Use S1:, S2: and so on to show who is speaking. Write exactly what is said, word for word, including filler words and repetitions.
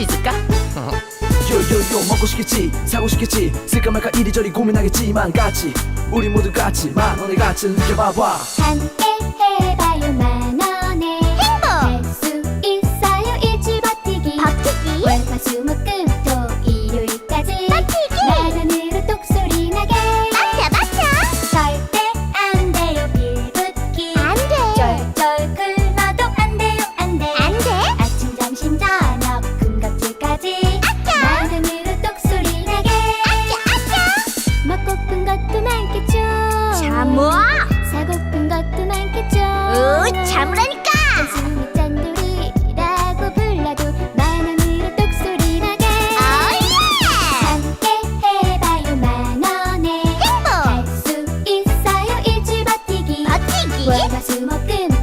S1: 있을까?
S2: 요요요 먹고 싶겠지 사고 싶겠지 쓸까 말까 이리저리 고민하겠지만 같이 우리 모두 같이 만 원의 가치를 느껴봐봐.
S3: 함께 해봐요 만 원의 행복 할 수 있어요 일주일 버티기 버티기 월화수목금 토일요일까지 버티기 만 원으로 똑소리 나게 맞아 맞아 절대 안 돼요 빌붙기 안돼 쫄쫄 굶어도 안 돼요 안돼 안돼 아침 점심 저녁 금각질까지 만 원으로 똑소리 나게 아짜 아짜 먹고픈 것도 많겠죠
S4: 참어!
S3: 사고픈 것도 많겠죠
S4: 으, 참으라니까!
S3: 단순히 짠돌이라고 불러도 만 원으로 똑소리 나게
S4: 오예!
S3: 함께 해봐요 만 원의
S4: 행복!
S3: 할 수 있어요 일주일 버티기
S4: 버티기!
S3: 월화수목금